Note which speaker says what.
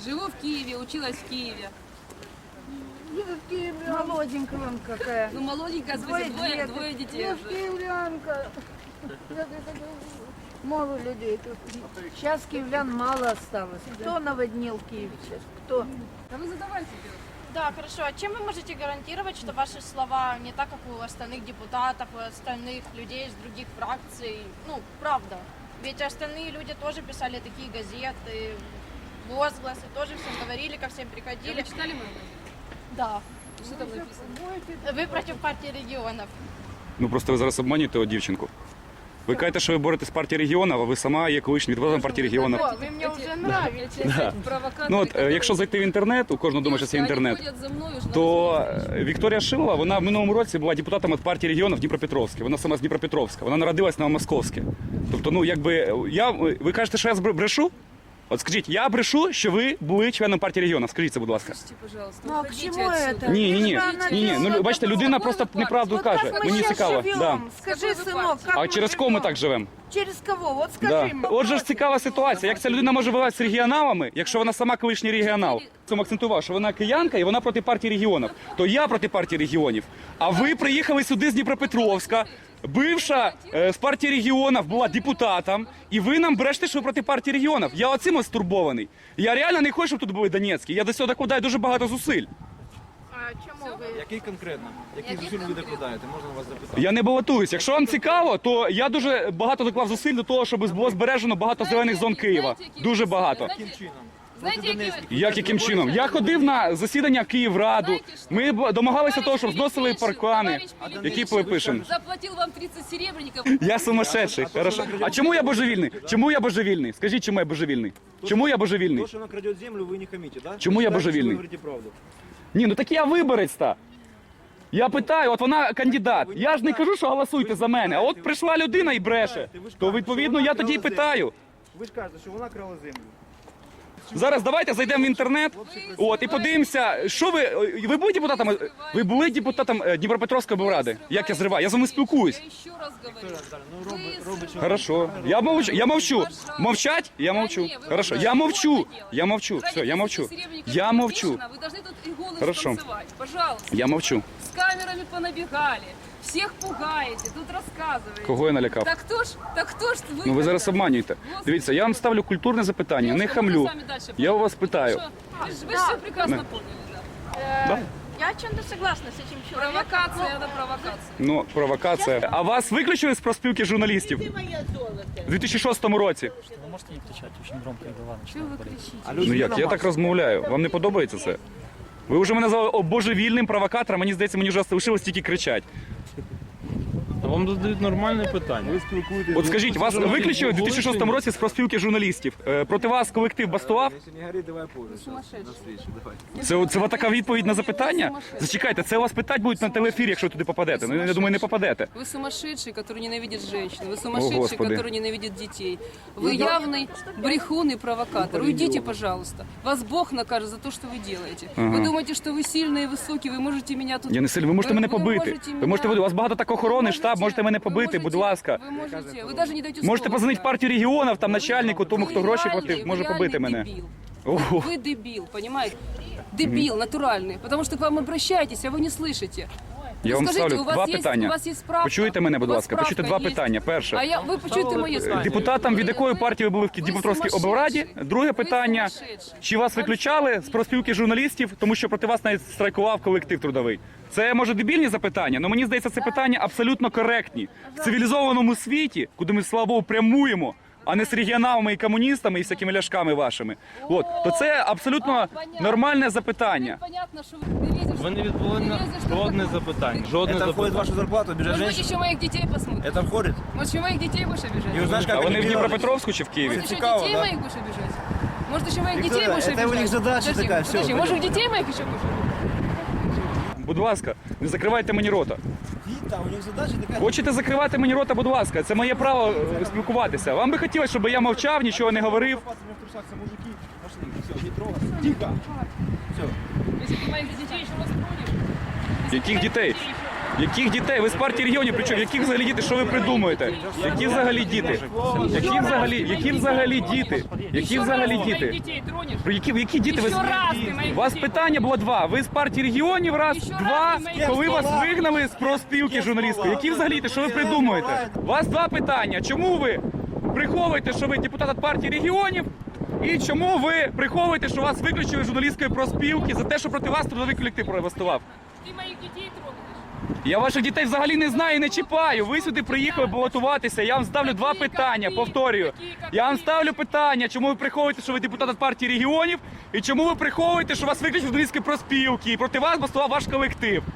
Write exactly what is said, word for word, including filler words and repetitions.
Speaker 1: Живу в Киеве, училась в Киеве.
Speaker 2: Молоденькая вон какая.
Speaker 1: Ну, молоденькая,
Speaker 2: Двое
Speaker 1: двое, двое,
Speaker 2: деток.
Speaker 1: двое детей
Speaker 2: Ну,
Speaker 1: уже.
Speaker 2: киевлянка. Мало людей тут. Сейчас киевлян мало осталось. Кто наводнил Киев сейчас? Кто?
Speaker 1: Да вы задавайте.
Speaker 3: Да, хорошо. А чем вы можете гарантировать, что ваши слова не так, как у остальных депутатов, у остальных людей из других фракций? Ну, правда. Ведь остальные люди тоже писали такие газеты, возгласы, тоже всем говорили, ко всем приходили.
Speaker 1: Вы читали мою газету?
Speaker 3: Да.
Speaker 1: Что там написано?
Speaker 3: Ви проти партії регіонів.
Speaker 4: Ну просто ви зараз обманюєте от дівчинку. Ви кажете, що ви боретесь з партії регіонів, а ви сама є колишнім депутатом партії регіонів.
Speaker 3: О, ви мені вже нравитесь.
Speaker 4: Ну от, е, якщо зайти в інтернет, у кожного дома зараз є інтернет, то е, Вікторія Шилова, вона в минулому році була депутатом від партії регіонів Дніпропетровська. Вона сама з Дніпропетровська. Вона народилась на Московське. Тобто, ну якби я ви кажете, що я брешу? От скажіть, я брешу, що ви були членом партії регіонів. Скажіть це, будь ласка.
Speaker 1: Слушайте, пожалуйста,
Speaker 2: Ну, а к
Speaker 1: уходите
Speaker 2: чему
Speaker 1: отсюда.
Speaker 2: это?
Speaker 4: Ні, ні, ні.
Speaker 2: Лишь бы она
Speaker 4: Ні, ні. Ну
Speaker 2: делала
Speaker 4: бачите,
Speaker 2: добро.
Speaker 4: людина просто неправду
Speaker 2: Вот
Speaker 4: каже.
Speaker 2: как мы
Speaker 4: Мені
Speaker 2: сейчас
Speaker 4: цікаво.
Speaker 2: живем?
Speaker 4: Да.
Speaker 2: Скажи,
Speaker 1: Какой вы
Speaker 2: сынок,
Speaker 1: партии?
Speaker 2: как
Speaker 4: А
Speaker 2: мы
Speaker 4: через кого ми
Speaker 2: живем?
Speaker 4: так живемо?
Speaker 2: Через кого? Вот скажи
Speaker 4: Да.
Speaker 2: мне.
Speaker 4: Отже ж цікава ситуація, як ця людина може воювати з регіоналами, якщо вона сама колишній регіонал. Цьому акцентував, що вона киянка і вона проти партії регіонів. То я проти партії регіонів. А ви приїхали сюди з Дніпропетровська, бивша е, з партії регіонів була депутатом, і ви нам брешете, що ви проти партії регіонів. Я оцим ось стурбований. Я реально не хочу, щоб тут були Донецькі. Я до цього докладаю дуже багато зусиль.
Speaker 3: А чому ви?
Speaker 5: Який конкретно? Які
Speaker 1: Який
Speaker 5: зусиль ви
Speaker 1: конкретно?
Speaker 5: докладаєте? Можна вас запитати?
Speaker 4: Я не балотуюсь. Якщо вам цікаво, то я дуже багато доклав зусиль до того, щоб було збережено багато зелених зон Києва. Дуже багато.
Speaker 5: Яким чином?
Speaker 1: Знаєте,
Speaker 5: Проти
Speaker 1: які
Speaker 5: Донецьких.
Speaker 4: Як яким чином? Я ходив на засідання Київраду. Ми б- домагалися того, щоб зносили паркани, які пишемо.
Speaker 1: Заплатил вам тридцать серебряников.
Speaker 4: Я сумасшедший. Хорошо. А чому я божевільний? Чому я божевільний? Скажіть, чому я божевільний? Чому я божевільний?
Speaker 5: То, що вона краде землю, ви не хамите, да?
Speaker 4: Чому я
Speaker 5: Ви знаєте,
Speaker 4: божевільний?
Speaker 5: що Ви говорите правду.
Speaker 4: Ні, ну так я виборець-та. Я питаю, от вона кандидат. Я ж не кажу, що голосуйте за мене. А от прийшла людина і бреше. То відповідно я тоді й питаю.
Speaker 5: Ви ж кажете, що вона крала землю.
Speaker 4: Зараз давайте зайдемо в інтернет, от і подивимося, що ви. Ви були депутатом? Ви були депутатом е, Дніпропетровської облради? Як я зриваю? Я з вами спілкуюсь.
Speaker 1: Я еще раз говорю.
Speaker 5: Ну, робить, робить, що
Speaker 4: Хорошо. Я мовчу. Я мовчу. Мовчать? Я мовчу. Хорошо. Я мовчу. Я мовчу. Все, я мовчу. Я мовчу.
Speaker 1: Вы должны тут и голос
Speaker 4: Хорошо.
Speaker 1: танцевать. Пожалуйста.
Speaker 4: Я мовчу.
Speaker 1: С камерами понабегали. Всех пугаете, тут рассказываете.
Speaker 4: Кого я налякав?
Speaker 1: Так кто ж, так кто ж вы?
Speaker 4: Ну ви зараз
Speaker 1: тогда?
Speaker 4: обманюєте. Дивіться, я вам ставлю культурне запитання, не
Speaker 1: Девушка,
Speaker 4: хамлю.
Speaker 1: мы с вами дальше
Speaker 4: Я у вас
Speaker 1: поговорим.
Speaker 4: питаю.
Speaker 1: Вы же, вы же все прекрасно поняли, да.
Speaker 3: Е, Я чем-то согласна з цим чоловіком.
Speaker 1: Провокация, это провокация.
Speaker 4: Ну, провокація. А вас виключили з профспілки журналістів? У дві тисячі шостому році.
Speaker 6: Вы можете не кричать, очень громко и голова
Speaker 1: Чего вы
Speaker 6: начинает болеть.
Speaker 1: кричите?
Speaker 5: А
Speaker 4: Ну
Speaker 5: людина
Speaker 4: як, я
Speaker 5: маса.
Speaker 4: так розмовляю. Вам не подобається це? Ви вже мене назвали божевільним провокатором, мені здається, мені вже залишилось тільки кричать.
Speaker 7: Та вам задають нормальне питання.
Speaker 5: Ви спілкуєтесь.
Speaker 4: От скажіть, вас виключили у дві тисячі шостому році з профспілки журналістів. Е, Проти вас колектив бастував?
Speaker 5: Якщо не горить, давай позже. На встречу, давай.
Speaker 4: Це, це така відповідь на запитання? Зачекайте, це вас питати будуть на телеефірі, якщо ви туди попадете. Ну, я думаю, не попадете.
Speaker 1: Вы сумасшедший, который ненавидит женщин. Вы сумасшедший,
Speaker 4: Господи.
Speaker 1: который ненавидит детей. Вы явный брехун и провокатор. Уйдите, пожалуйста. Вас Бог накажет за то, что вы делаете. Вы думаете, что вы сильный и высокий, вы можете меня тут...
Speaker 4: Я не сильно. Ви можете мене побити.
Speaker 1: можете
Speaker 4: Ви можете
Speaker 1: меня-
Speaker 4: у вас багато так охорони, штаб, можете мене
Speaker 1: вы
Speaker 4: побити, будь
Speaker 1: можете-
Speaker 4: ласка.
Speaker 1: Ви можете, ви навіть не даєте
Speaker 4: Можете
Speaker 1: слова
Speaker 4: позвонити в
Speaker 1: сказати.
Speaker 4: партію регіонів, там начальнику, тому
Speaker 1: Ви
Speaker 4: хто гроші
Speaker 1: реальний,
Speaker 4: платив,
Speaker 1: ви
Speaker 4: може
Speaker 1: реальний
Speaker 4: побити мене.
Speaker 1: дебіл.
Speaker 4: Ого.
Speaker 1: Вы дебил, понимаете? Дебил натуральный, потому что к вам обращаетесь, а вы не слышите.
Speaker 4: Я
Speaker 1: Ну,
Speaker 4: вам
Speaker 1: скажите,
Speaker 4: ставлю
Speaker 1: у вас
Speaker 4: два
Speaker 1: есть-
Speaker 4: питання.
Speaker 1: у вас есть справка?
Speaker 4: Почуєте мене, будь
Speaker 1: У вас
Speaker 4: ласка, почуйте
Speaker 1: справка
Speaker 4: два
Speaker 1: есть?
Speaker 4: питання.
Speaker 1: А
Speaker 4: Перше.
Speaker 1: я, ви почуєте моє слово.
Speaker 4: Депутатам від якої партії ви були в депутатській облраді? Друге питання. Чи вас виключали з профспілки журналістів, тому що проти вас навіть страйкував колектив трудовий? Це, може, дебільні запитання, але мені здається, це питання абсолютно коректні. В цивілізованому світі, куди ми, слава Богу, прямуємо, а не з регіоналами і комуністами і всякими ляшками вашими. От, то це абсолютно нормальне запитання.
Speaker 1: Понятно, що ви не лізеш.
Speaker 7: Ви не відповіли на жодне запитання. Жодне
Speaker 5: Это входит в
Speaker 7: запитання.
Speaker 5: вашу зарплату, обижать
Speaker 1: Может быть,
Speaker 5: женщин?
Speaker 1: еще моих детей посмотрят.
Speaker 5: Это входит?
Speaker 1: Может, еще моих детей будешь обижать?
Speaker 5: И узнаешь,
Speaker 4: А
Speaker 5: как
Speaker 4: вони в
Speaker 5: они делают?
Speaker 4: Дніпропетровську чи в Києві?
Speaker 1: Может, еще
Speaker 5: цікаво,
Speaker 1: детей
Speaker 5: да?
Speaker 1: моих будешь обижать? Может, еще моих
Speaker 5: Виктория,
Speaker 1: детей будешь
Speaker 5: это
Speaker 1: обижать?
Speaker 5: у них задача
Speaker 1: Подожди,
Speaker 5: такая, всё,
Speaker 1: подожди,
Speaker 5: пойдем.
Speaker 1: может, детей моих еще будешь обижать?
Speaker 4: Будь ласка, не закривайте мені рота.
Speaker 5: Да, у них задача такая.
Speaker 4: Хочете закривати мені рота, будь ласка, це моє право е, спілкуватися. Вам би хотілося, щоб я мовчав, нічого не говорив.
Speaker 5: Копаться мне в трусах, все мужики. Пошли, все, не трогаться. Тихо. Все.
Speaker 1: Если ты моих детей еще раз тронешь...
Speaker 4: Яких дітей? Яких дітей? Ви з партії регіонів, причому яких взагалі діти? Що ви придумуєте? Які взагалі діти? Які взагалі, які взагалі діти? Які взагалі діти?
Speaker 1: детей тронешь?
Speaker 4: Про які, які діти ви?
Speaker 1: Ще раз ти моїх
Speaker 4: У вас
Speaker 1: дітей
Speaker 4: питання було два. Ви з партії регіонів раз,
Speaker 1: Ще
Speaker 4: два,
Speaker 1: раз ти моїх
Speaker 4: коли
Speaker 1: дітей.
Speaker 4: вас вигнали з профспілки журналістської. Які взагалі діти? Що ви придумуєте? У вас два питання. Чому ви приховуєте, що ви депутат від партії регіонів? І чому ви приховуєте, що вас виключили з журналістської профспілки за те, що проти вас трудовий колектив протестував?
Speaker 1: Ти моїх дітей тронеш?
Speaker 4: Я ваших дітей взагалі не знаю і не чіпаю. Ви сюди приїхали балотуватися. Я вам ставлю два питання, повторюю. Я вам ставлю питання, чому ви приховуєте, що ви депутат від партії регіонів, і чому ви приховуєте, що вас виключили з журналістської профспілки, і проти вас бастував ваш колектив.